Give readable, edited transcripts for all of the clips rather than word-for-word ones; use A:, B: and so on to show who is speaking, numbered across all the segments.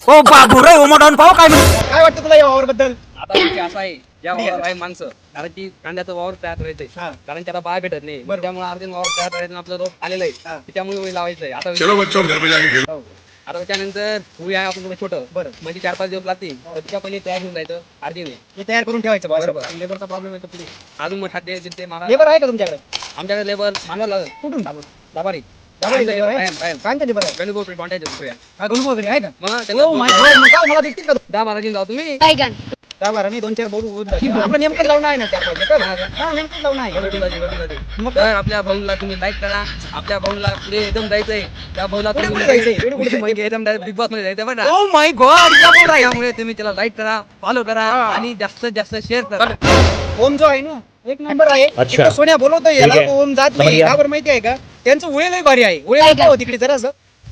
A: ओ बाबू रे उमटून पाहू काय
B: काय वाटतं तुला या वावर बद्दल?
C: आता विषय असा आहे ज्या वावर आहे माणसं कारण की कांद्याचं वावर तयार करायचंय कारण त्याला बाय भेटत नाही त्यामुळे अर्जुन वावर तयार करायचं आपलं रोप आलेलं आहे त्यामुळे लावायचंय आता हो. आता त्याच्यानंतर फुल आहे आपण छोटं
B: बरं.
C: म्हणजे 4-5 दिवस लागतील तर तिच्या पहिले तयार होऊन जायचं अर्जुन
B: हे तयार करून ठेवायचं
C: बरोबर लेबरचा प्रॉब्लेम येतो पुढे अजून मग खाद्य ते मला
B: लेबर आहे का तुमच्याकडे?
C: आमच्याकडे लेबर मानवा लागत
B: कुठून?
C: दाबारी
B: दाबारी labor आहे? कांच्या लेबर आहे?
C: गणगोळ कॉन्टॅक्ट दुसऱ्या
B: हा, गणू वगैरे आहे का?
C: मग
B: Oh my God, मग काय मला देतील का?
C: 10-12 दिन जाऊ तुम्ही
B: दहा बारा नाही 2-4 बोलू होऊन जातील. आपलं नेमकं लावणं आहे ना त्या पाहिजे का? हा, नेमकं लावणं आहे. मग
C: तर आपल्या भाऊला तुम्ही लाईक करा आपल्या भाऊला पुढे एकदम जायचंय त्या भाऊला
B: पुढे
C: तुम्ही
B: जायचंय? पुढे कुठे
C: मग एकदम बिग बॉस मध्ये जायचं बघा
B: Oh my God, क्या बोल रहा है?
C: त्यामुळे तुम्ही त्याला लाईक करा फॉलो करा आणि जास्तीत जास्त शेअर करा
B: ओम जो आहे ना एक नंबर आहे.
D: अच्छा.
B: इथं सोन्या बोलवतोय याला,
D: ठीक आहे.
B: तो ओम जात नाही.
D: समजलं.
B: का बरं माहिती आहे का? त्यांचं उळे लय भारी आहे. उळे हो तिकडे जरासं.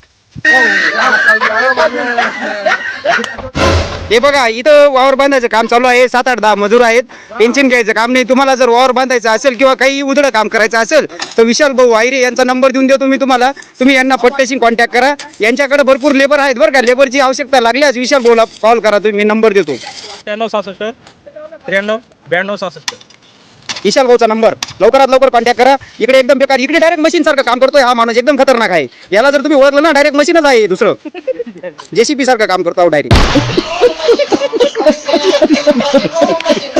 B: हे बघा इथं वावर बांधायचं काम चालू आहे. 7-8-10 मजूर आहेत. टेन्शन घ्यायचं काम नाही. तुम्हाला जर वावर बांधायचं असेल किंवा काही उधळं काम करायचं असेल तर विशाल भाऊ वायरे यांचा नंबर देऊन देतो मी तुम्हाला. तुम्ही यांना पट्ट्याशी कॉन्टॅक्ट करा. यांच्याकडे भरपूर लेबर आहेत बरं का. लेबरची आवश्यकता लागल्यास विशाल भाऊला कॉल करा तुम्ही. नंबर देतो
D: 96 93 92 66.
B: विशाल भाऊचा नंबर. लवकरात लवकर कॉन्टॅक्ट करा. इकडे एकदम बेकार. इकडे डायरेक्ट मशीन सारखं काम करतोय हा माणूस. एकदम खतरनाक आहे. याला जर तुम्ही ओळखलं ना डायरेक्ट मशीनच आहे दुसरं. जेसीबी सारखं काम करतो डायरेक्ट.